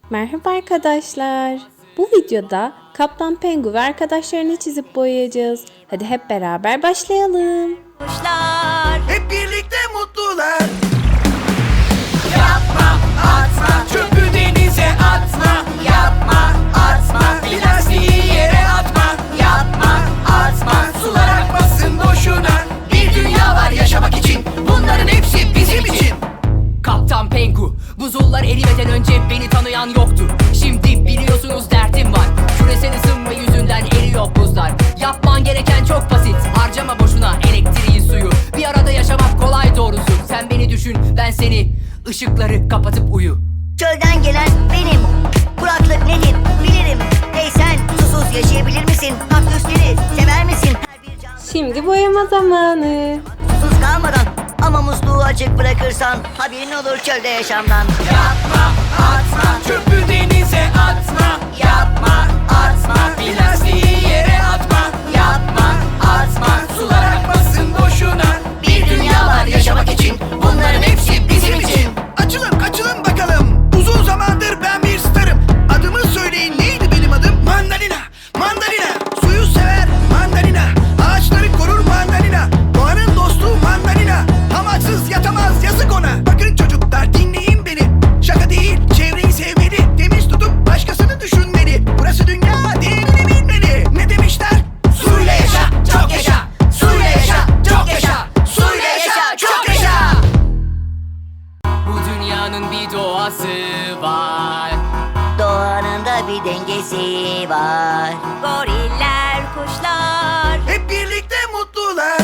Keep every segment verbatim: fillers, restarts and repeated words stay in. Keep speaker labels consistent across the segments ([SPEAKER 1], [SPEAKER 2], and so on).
[SPEAKER 1] Merhaba arkadaşlar. Bu videoda Kaptan Pengu ve arkadaşlarını çizip boyayacağız. Hadi hep beraber başlayalım.
[SPEAKER 2] Kuşlar
[SPEAKER 3] Hep birlikte mutlular.
[SPEAKER 2] yapma atma,
[SPEAKER 3] Çöpü denize atma.
[SPEAKER 2] yapma atma,
[SPEAKER 3] Plastiği yere atma.
[SPEAKER 2] yapma atma.
[SPEAKER 3] Sular akmasın boşuna. Bir dünya var yaşamak için. Bunların hepsi bizim için.
[SPEAKER 4] Kaptan Pengu, buzullar erimeden önce beni tanıyan yoktu. Şimdi biliyorsunuz derdim var. Küresel ısınma yüzünden eriyor buzlar. Yapman gereken çok basit, harcama boşuna elektriği suyu. Bir arada yaşamak kolay doğrusu. Sen beni düşün, ben seni. Işıkları kapatıp uyu.
[SPEAKER 2] Çölden gelen benim. Kuraklık nedir bilirim. Hey sen susuz yaşayabilir misin? Kaktüsleri sever misin? Her bir can
[SPEAKER 1] Şimdi boyama zamanı.
[SPEAKER 2] susuz kalmadan ama musluğu açık bırakırsan haberin olur çölde yaşamdan. Yapma atma,
[SPEAKER 3] Çöpü denize atma.
[SPEAKER 2] yapma atma,
[SPEAKER 3] Plastiği yere atma.
[SPEAKER 2] yapma atma.
[SPEAKER 3] Sular akmasın boşuna.
[SPEAKER 2] Bir dünya var yaşamak için.
[SPEAKER 3] Bunların hepsi bizim için. Açılın kaçılın bakalım. Uzun zamandır ben bir starım. Adımı söyleyin, neydi benim adım? Mandalina, mandalina. Suyu sever mandalina. Ağaçları korur mandalina. Doğanın dostu mandalina. Hamaksız yatamaz yazık ona. Bakın çocuklar dinleyin beni. Şaka değil, çevreyi sevmeli. Temiz tutup başkasını düşünmeli. Burası dünya, değerini bilmeli. Ne demişler? Suyla yaşa, çok yaşa. Suyla yaşa, çok yaşa. Suyla yaşa, çok yaşa.
[SPEAKER 4] Bu dünyanın bir doğası var.
[SPEAKER 2] Doğanın da bir dengesi var. Goriller, kuşlar
[SPEAKER 3] Hep birlikte mutlular.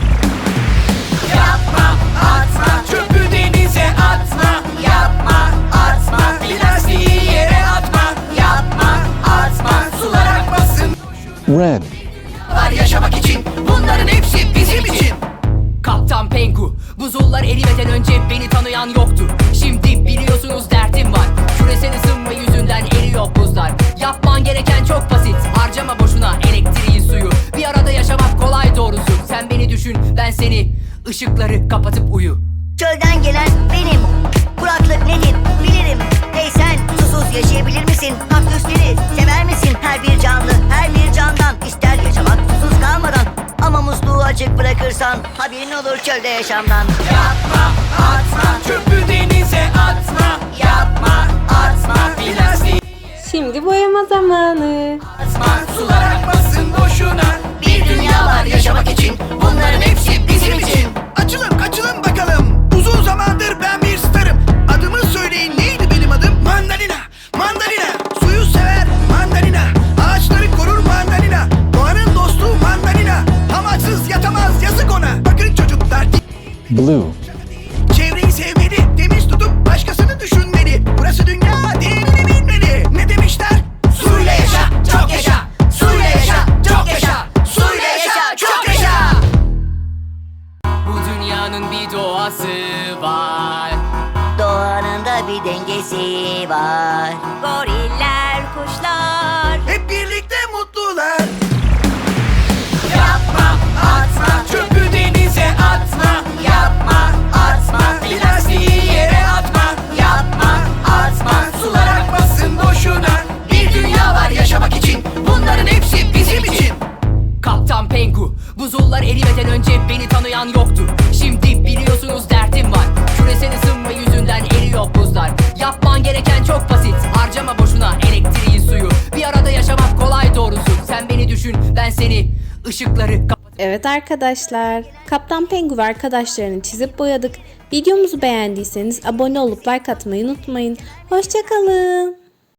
[SPEAKER 2] yapma atma,
[SPEAKER 3] Çöpü denize atma.
[SPEAKER 2] yapma atma,
[SPEAKER 3] Plastiği yere atma.
[SPEAKER 2] yapma atma.
[SPEAKER 3] Sular akmasın
[SPEAKER 5] Red.
[SPEAKER 3] var yaşamak için. Bunların hepsi bizim için.
[SPEAKER 4] Kaptan Pengu, buzullar erimeden önce beni tanıyan yoktu. Şimdi biliyorsunuz derdim var. Küresel ısınma yüzünden eriyor buzlar. Yapman gereken çok basit, harcama boşuna elektriği suyu. Bir arada yaşamak kolay doğrusu. Sen beni düşün, ben seni. Işıkları kapatıp uyu.
[SPEAKER 2] Çölden gelen benim. Kuraklık nedir bilirim. Hey sen susuz yaşayabilir misin? Kaktüsleri sever misin? Her bir canlı, her bir candan ister yaşamak susuz kalmadan. Ama musluğu açık bırakırsan haberin olur çölde yaşamdan. Yapma atma,
[SPEAKER 3] Çöpü denize atma.
[SPEAKER 2] yapma atma,
[SPEAKER 3] Plastiği
[SPEAKER 1] Şimdi boyama zamanı.
[SPEAKER 2] atma.
[SPEAKER 3] sular akmasın boşuna.
[SPEAKER 2] Bir dünya var yaşamak için.
[SPEAKER 3] Bunların hepsi bizim için. Açılın kaçılın bakalım. Uzun zamandır ben bir starım. Adımı söyleyin, neydi benim adım? Mandalina, mandalina. Suyu sever mandalina. Ağaçları korur mandalina. Doğanın dostu mandalina. Hamaksız yatamaz yazık ona. Bakın çocuklar
[SPEAKER 5] Blue.
[SPEAKER 3] çevreyi sevmeli. Temiz tutup başkasını düşünmeli. Burası dünya, değerini bilmeli. Ne demişler? Suyla yaşa, çok yaşa. Suyla yaşa, çok yaşa. Suyla yaşa, çok yaşa.
[SPEAKER 4] Bu dünyanın bir doğası var.
[SPEAKER 2] Doğanın da bir dengesi var. Goriller, kuşlar
[SPEAKER 3] Hep birlikte mutlular.
[SPEAKER 2] yapma atma,
[SPEAKER 3] Çöpü denize atma.
[SPEAKER 2] yapma atma,
[SPEAKER 3] Plastiği yere atma.
[SPEAKER 2] yapma atma.
[SPEAKER 3] Sular akmasın boşuna. Bir dünya var yaşamak için. Bunların hepsi bizim için.
[SPEAKER 4] Kaptan Pengu, buzullar erimeden önce beni tanıyan yoktu. Şimdi biliyorsunuz derdim var. Küresel ısınma yüzünden eriyor buzlar. Yapman gereken çok basit, harcama boşuna elektriği suyu. Bir arada yaşamak kolay doğrusu. Sen beni düşün, ben seni. Işıkları kapat.
[SPEAKER 1] Evet arkadaşlar. Kaptan Pengu ve arkadaşlarını çizip boyadık. Videomuzu beğendiyseniz abone olup like atmayı unutmayın. Hoşça kalın.